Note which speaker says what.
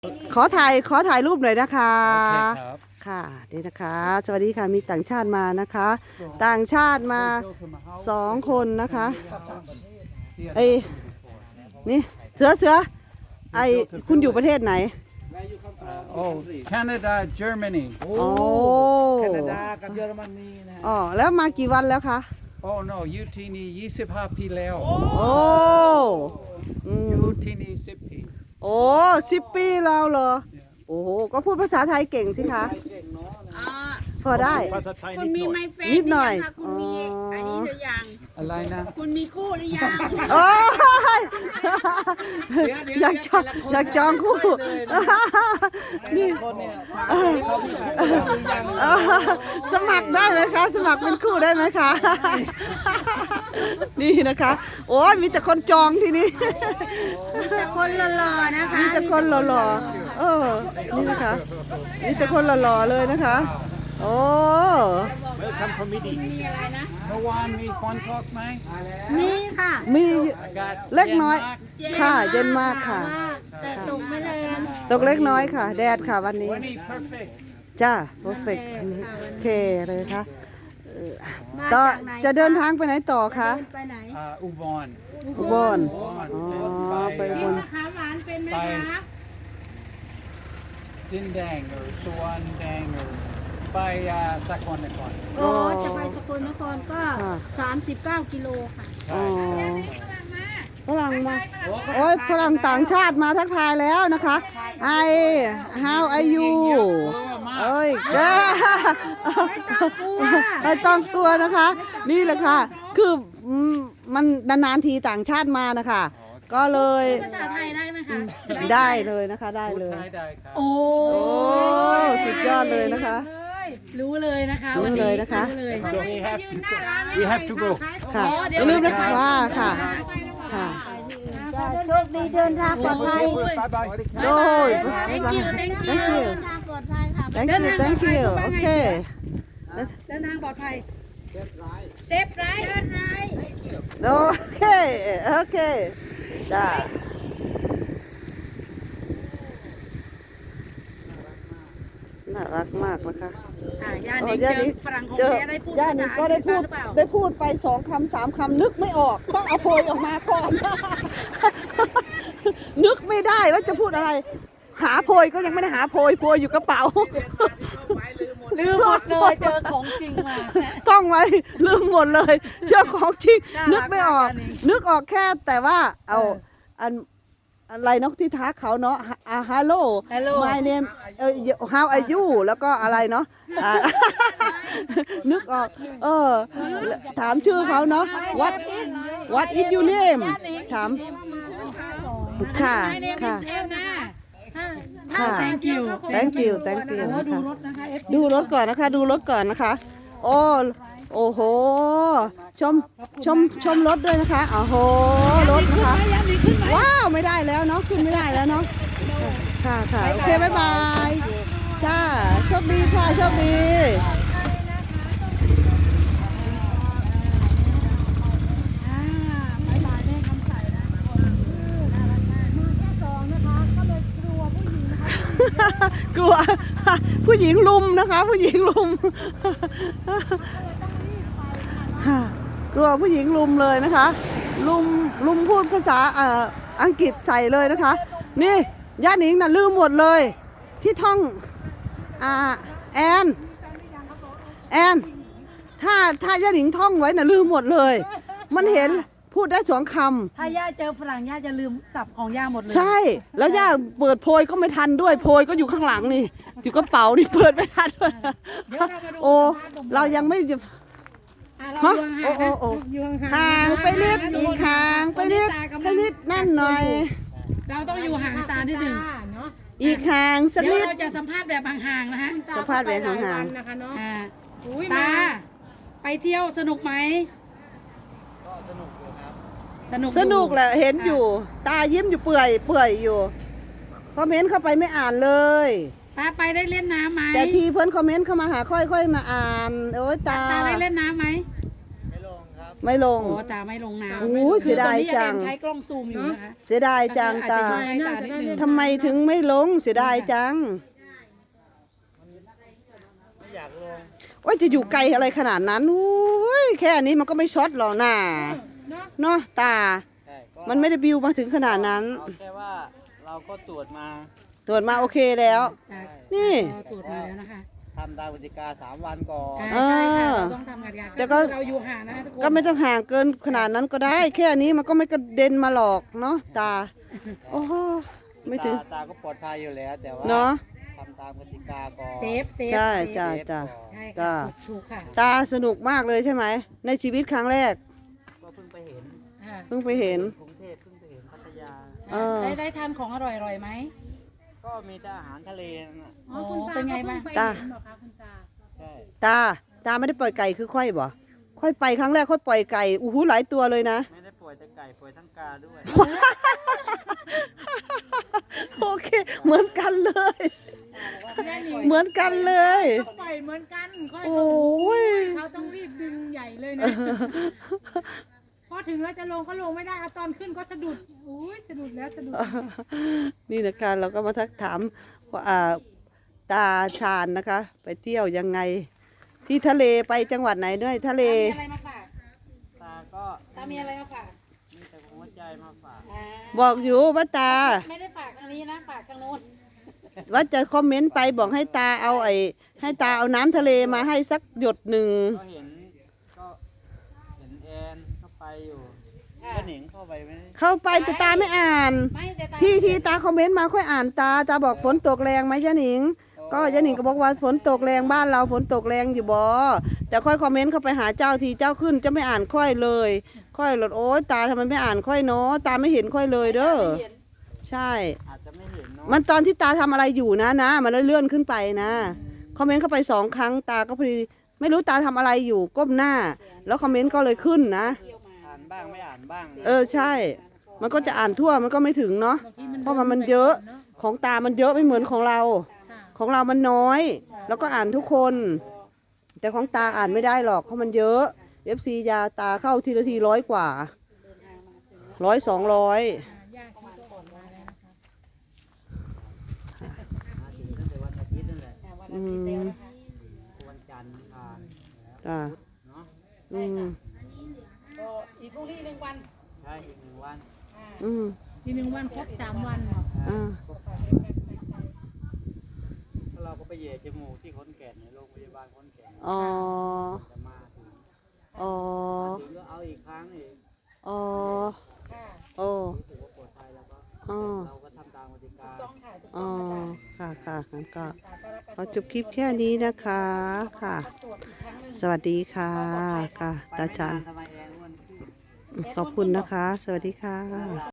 Speaker 1: ขอถ่ายรูปหน่อยนะคะ
Speaker 2: โอเคครับ
Speaker 1: ค่ะนี่นะคะ สวัสดีค่ะมีต่างชาติมานะคะ ต่างชาติมา2 คนนะคะไอ้นี่เสือไอ้คุณอยู่ประเทศไหน
Speaker 2: โอ้ Canada Germany
Speaker 1: โอ้
Speaker 3: แคนาดากับเยอรมนีนะฮะ
Speaker 1: อ๋อแล้วมากี่วันแล้วคะ
Speaker 2: โอ้ no อยู่ที่นี่25 ปีแล้ว
Speaker 1: โอ้อืม
Speaker 2: อยู่ที่นี่10 ปี
Speaker 1: โอ้10 ปีแล้วเหรอโอ้โหก็พูดภาษาไทยเก่งสิคะพอได้
Speaker 2: ภาษาไทย
Speaker 4: คุณมีไมเฟ
Speaker 1: นิดหน่อย
Speaker 4: คุณมีอันนี้หรือยัง
Speaker 2: อะไรนะ
Speaker 4: คุณมีคู่หรือยัง
Speaker 1: โอ้ยอยากจองคู่นี่
Speaker 3: คนเนี่ย
Speaker 1: สมัครได้ไหมคะ สมัครเป็นคู่ได้ไหมคะ นี่นะคะ โอ้ยมีแต่คนจองที่นี่
Speaker 4: แต่คนหล่อๆนะคะ
Speaker 1: มีแต่คนหล่อๆนี่นะคะมีแต่คนหล่อๆเลยนะคะ โอ้
Speaker 4: มีอะไรนะ
Speaker 2: เมื่อวานมีฝนตกไหม
Speaker 4: มีค่ะ
Speaker 1: มี
Speaker 2: อากาศ
Speaker 1: เล็กน้อย
Speaker 2: ย็มาก
Speaker 1: ค่ะเย็นมากค่ะ
Speaker 4: แต่ตกไม่แรง
Speaker 1: ตกเล็กน้อยค่ะ แดดค่ะวันนี้
Speaker 2: วันนี้ perfect
Speaker 1: จ้า perfect โอเคเลยค่ะ
Speaker 4: มา
Speaker 1: ต่อ
Speaker 4: จากไหน
Speaker 1: จะเดินทางไปไหนต่อคะ
Speaker 4: เดินไปไหน
Speaker 2: อุบล
Speaker 1: อุบล
Speaker 2: อุบล
Speaker 1: อ๋อไปอุบล
Speaker 4: มะขามหวานเป็นไหม
Speaker 2: ไป
Speaker 4: คะ
Speaker 2: ดินแดงหรือสวนแดงหรือไปสกลนคร
Speaker 4: โอ้จะไปสกลนครก็ 39 กิโลค่ะ
Speaker 1: อ๋
Speaker 2: ใช่
Speaker 1: อฝรั่งมาโอ้ยฝรั่งต่างชาติมาทักทายแล้วนะคะไอ how are you เอ้ยไม่ต้องกลัวนะคะ นี่แหละค่ะ คือมันนานๆทีต่างชาติมานะคะ ก็เลย
Speaker 4: ภาษาไทยได้ไหมคะ
Speaker 1: ได้เลยนะคะได้
Speaker 2: พูด
Speaker 1: เลย
Speaker 2: ไทยได้ครับ
Speaker 4: โอ้
Speaker 1: โอ้สุดยอดเลยนะคะ
Speaker 4: รู้เลยนะคะ
Speaker 1: รู้
Speaker 4: วันนี้
Speaker 1: เลยนะคะ
Speaker 4: รู้เลย
Speaker 2: we have to go
Speaker 1: ค่ะอย่าลืมนะคะว่าค่ะค่ะ
Speaker 4: โชคดีเดินทางปลอดภัย
Speaker 2: bye bye
Speaker 1: โอ้ย
Speaker 4: thank you thank you
Speaker 1: thank you
Speaker 4: เดินทางปลอดภัยค่ะ
Speaker 1: thank you thank you โอเค
Speaker 4: เดินทางปลอดภัยเซฟไรเซฟไร
Speaker 1: โอเคโอเคจ้าน่ารักมากนะคะ
Speaker 4: ย่านิงเจอฝรั่งของแท้ได้พูด
Speaker 1: ย่านิงก็ได้พูด
Speaker 4: หรือเปล่า
Speaker 1: ได้พูดไป2 คำ 3 คำนึกไม่ออกต้องเอาโพยออกมาก่อน นึกไม่ได้ว่าจะพูดอะไร หาโพยก็ยังไม่ได้หาโพยอยู่กระเป๋า
Speaker 4: ลืมหมดเลยเจอของจริงมา
Speaker 1: ท่องไว้ลืมหมดเลยเจ้าของจริง
Speaker 4: น่ารัก
Speaker 1: นึกไม่ออก
Speaker 4: มากอันนี้
Speaker 1: นึกออกแค่แต่ว่าเอาอะไรนกที่ทักเขาเนาะฮัลโหล
Speaker 4: Hello
Speaker 1: my name how are you แล้วก็อะไรเนาะนึกออกถามชื่อเขาเนาะ what is your name ถามค่ะ
Speaker 4: My name
Speaker 1: ค่ะ
Speaker 4: is Anna
Speaker 1: ค่ะ
Speaker 4: Thank you
Speaker 1: thank you thank you
Speaker 4: ดู
Speaker 1: ค่ะ
Speaker 4: รถนะคะ FC
Speaker 1: ดูรถก่อนนะคะ ดูรถก่อนนะคะ โอ้โห ชมรถด้วยนะคะโอ้โห รถนะคะ
Speaker 4: ย่านิงขึ้นไหม
Speaker 1: ว้าว ไม่ได้แล้วเนาะ ขึ้นไม่ได้แล้วเนาะ ค่ะค่ะโอเค บ๊ายบาย จ้า โชคดีค่ะ โชคดี
Speaker 4: บ๊ายบายแม่คำใสนะน่ารักมากมาแค่สองนะคะก็เลยกลัวผู้หญิงนะคะ
Speaker 1: กลัว ผู้หญิงลุมนะคะ ผู้หญิงลุม กลัวผู้หญิงลุมเลยนะคะ ลุมพูดภาษาอังกฤษใส่เลยนะคะ นี่ย่าหนิงน่ะลืมหมดเลย ที่ท่องแอนถ้าย่าหนิงท่องไว้น่ะลืมหมดเลย มันเห็นพูดได้2 คำ
Speaker 4: ถ้าย่าเจอฝรั่งย่าจะลืมศัพท์ของย่าหมดเลย
Speaker 1: ใช่ แล้วย่าเปิดโพยก็ไม่ทันด้วยโพยก็อยู่ข้างหลังนี่อยู่กระเป๋านี่เปิดไม่ทันด้วยโอ้เรายังไม่จะ
Speaker 4: เรา
Speaker 1: ฮะ
Speaker 4: อยู่
Speaker 1: โอ้
Speaker 4: ห่าง
Speaker 1: ห่างไปนิดอีกห่างไปนิดแค่นิดนั่นหน่อย
Speaker 4: เราต้องอยู่ห่างตานิดหนึ่ง
Speaker 1: อีกห่างสัก
Speaker 4: เดี๋ยว
Speaker 1: นิด
Speaker 4: เราจะสัมภาษณ์แบบห่างๆนะฮะ
Speaker 1: จะพลาดไปห่าง
Speaker 4: อ่าตาไปเที่ยวสนุกไหมสนุก
Speaker 1: ๆสนุกแหละเห็นอยู่ ตายิ้มอยู่เปื่อยอยู่คอมเมนต์เข้าไปไม่อ่านเลย
Speaker 4: ตาไปได้เล่นน้ำไหม
Speaker 1: แต่ทีเพิ่นคอมเมนต์เข้ามาหาค่อยๆมาอ่านโอ้ยตา
Speaker 4: ตาได้เล่นน้ำไหม
Speaker 1: ไม่ลง
Speaker 5: โอ้ตาไม่ลงน้ำ
Speaker 1: โอ้ยเสียดายจัง
Speaker 5: คือตอนนี้ยังใช้กล้องซูมอยู่นะคะ
Speaker 1: เสียดายจังตา
Speaker 5: อาจจะให้ตานิดนึง
Speaker 1: ทำไมถึงไม่ลงเสียดายจัง
Speaker 3: ไม่อยากลง
Speaker 1: โอ้ยจะอยู่ไกลอะไรขนาดนั้นโอ้ยแค่นี้มันก็ไม่ช็อตหรอกน่ะ
Speaker 4: เนาะ
Speaker 1: เนาะตา
Speaker 3: ใช่ก็
Speaker 1: มันไม่ได้บิวมาถึงขนาดนั้น
Speaker 3: เอาแค่ว่าเราก็ตรวจมา
Speaker 1: ตรวจมาโอเคแล้ว
Speaker 5: ตา
Speaker 1: นี่
Speaker 5: ก็ตรวจมาแล้วนะคะ
Speaker 3: ทำตามกติกา3 วันก่อน
Speaker 5: ใช่ค่ะเราต้องทำกันยา
Speaker 1: แต่ก็
Speaker 5: เราอยู่ห่างนะคะทุกคน
Speaker 1: ก็ไม่ต้องห่างเกินขนาดนั้นก็ได้ แค่นี้มันก็ไม่กระเด็นมาหรอกเนาะตา โอ้โหไม่ถึง
Speaker 3: ตาก็ปลอดภัยอยู่แล้ว แต่ว่า
Speaker 1: เนาะ
Speaker 3: ทำตามกติกาก่อน
Speaker 5: เซฟ
Speaker 1: ใช่
Speaker 5: เซฟ
Speaker 1: จ้า
Speaker 3: เซฟ
Speaker 1: จ้า
Speaker 3: ก่อน
Speaker 5: ใช่
Speaker 1: จ้า
Speaker 5: ค่ะถูกค่ะ
Speaker 1: ตาสนุกมากเลยใช่ไหมในชีวิตครั้งแรก
Speaker 3: ก็เพิ่งไปเห็น
Speaker 5: ค่ะ
Speaker 1: เพิ่งไปเห็น
Speaker 3: กรุงเทพเพิ่งไปเห็นพัทยา
Speaker 1: เออ
Speaker 5: ได้ทานของอร่อยๆไหม
Speaker 3: ก็มีแต่อาหารทะเลนั่นน่ะ
Speaker 4: อ๋อคุณตา
Speaker 5: เป็นไงบ้าง
Speaker 4: ก็เพิ่ไปเห็นเหรอคะคุณตา
Speaker 3: ใช่
Speaker 1: ตาไม่ได้ปล่อยไก่คือค่อยบ่ค่อยไปครั้งแรกค่อยปล่อยไก่อู้หูหลายตัวเลยนะ
Speaker 3: ไม่ได้ป่วยแต่ไก่ป่วยทั้งกาด้วย
Speaker 1: โอเค เหมือนกันเลย เหมือนกันเลย
Speaker 4: ปล่อยเหมือนกันค่อย
Speaker 1: โอ
Speaker 4: ลง้
Speaker 1: ย
Speaker 4: เขาต้องรีบดึงใหญ่เลยนะ พอถึงแล้วจะลงก็ลงไม่ได้เอาตอนขึ้นก็สะดุดอุ้ยสะดุดแล้วสะดุด
Speaker 1: นี่นะคะเราก็มาทักถามอ่าตาชาญนะคะ ไปเที่ยวยังไง ที่ทะเลไปจังหวัดไหนด้วยทะเล
Speaker 5: มีอะไรมาฝาก
Speaker 3: ตาก็
Speaker 5: ตามีอะไรมาฝาก
Speaker 3: มีแต่หัวใจมาฝาก
Speaker 5: อ่า
Speaker 1: บอกอยู่ว่าตา
Speaker 5: ไม่ได้ฝากทางนี้นะฝากทางโน้น
Speaker 1: ว่าจะคอมเมนต์ไปบอกให้ตาเอาให้ตาเอาน้ำทะเลมาให้สักหยดหนึ่ง
Speaker 3: ก็เห็นแอนเข้าไปอยู่
Speaker 5: ค่ะ
Speaker 3: ก็หนิงเข้าไปไหม
Speaker 1: เข้าไปแต่ตาไม่อ่าน
Speaker 5: ไม่แต่ตา
Speaker 1: ที่ตาคอมเมนต์มาค่อยอ่านตาบอกฝนตกแรงไหมยะหนิง ก็ยะหนิงก็บอกว่าฝนตกแรงบ้านเราฝนตกแรงอยู่บ่แต่ค่อยคอมเมนต์เข้าไปหาเจ้าทีเจ้าขึ้นจะไม่อ่านค่อยเลย ค่อยหลดโอ๊ยตาทำไมไม่อ่านค่อยเนาะตาไม่เห็นค่อยเลยเด้อ
Speaker 5: ไม่เห็น
Speaker 1: ใช่
Speaker 3: อาจจะไม่เห็นเนาะ
Speaker 1: มันตอนที่ตาทำอะไรอยู่นะมันเลื่อนขึ้นไปนะคอมเมนต์เข้าไป2 ครั้งตาก็พอดีไม่รู้ตาทำอะไรอยู่ก้มหน้า แล้วคอมเมนต์ก็เลยขึ้นนะ
Speaker 5: เที่ยวมา
Speaker 3: อ่านบ้างไม่อ่านบ้าง
Speaker 1: ใช่ มันก็จะอ่านทั่วมันก็ไม่ถึงเนาะ
Speaker 4: บางที
Speaker 1: เพราะมันเยอะของตามันเยอะไม่เหมือนของเรา
Speaker 4: ค่ะ
Speaker 1: ของเรามันน้อย แล้วก็อ่านทุกคน แต่ของตาอ่านไม่ได้หรอกเพราะมันเยอะ FC ยาตาเข้าทีละที100 กว่า100 200
Speaker 4: ย่าชีก็ออกมาแล้วนะคะ
Speaker 3: มาถึงตั้งแต่วันอาทิตย์นั่นแหละ
Speaker 5: วันอาทิตย์แล้วนะคะ
Speaker 3: วันจันทร์อังคาร
Speaker 1: จ้า
Speaker 3: เนาะ
Speaker 1: อืม
Speaker 5: ก็อีกพรุ่งนี้1 วัน
Speaker 3: ใช่อีก1 วัน
Speaker 1: อืม
Speaker 4: ที1 วันครบ3 วัน
Speaker 1: อ่า
Speaker 3: แล้วเราก็ไปเหย่จมูกที่ขอนแก่นในโรงพยาบาลขอนแก่น
Speaker 1: อ๋อ
Speaker 3: จะมาถึง
Speaker 1: อ๋อ
Speaker 3: มาถึงก็เอาอีกครั้งอีก
Speaker 1: อ๋อ
Speaker 5: ค่ะ
Speaker 1: โอ้
Speaker 3: รู้สึกว่าปลอดภัยแล้วก็
Speaker 1: อ๋อ
Speaker 3: เราก็ทำตามกติกา
Speaker 5: ต้องค่ะถูก
Speaker 1: อ๋
Speaker 5: ต้
Speaker 1: อ
Speaker 5: องนะคะ
Speaker 1: ค่ะงั้นก็
Speaker 5: ตาก็รับ
Speaker 1: ขอจบคลิปแค่นี้นะคะค่ะ
Speaker 5: ตรวจอีกครั้งหนึ่ง
Speaker 1: สวัสดีค่ะค่ะ
Speaker 3: ไป
Speaker 1: ตา
Speaker 3: ไม่
Speaker 1: ชัน
Speaker 3: นานทำไมแอนอ้วนขึ้น
Speaker 1: ขอบคุณนะคะ สวัสดีค่ะ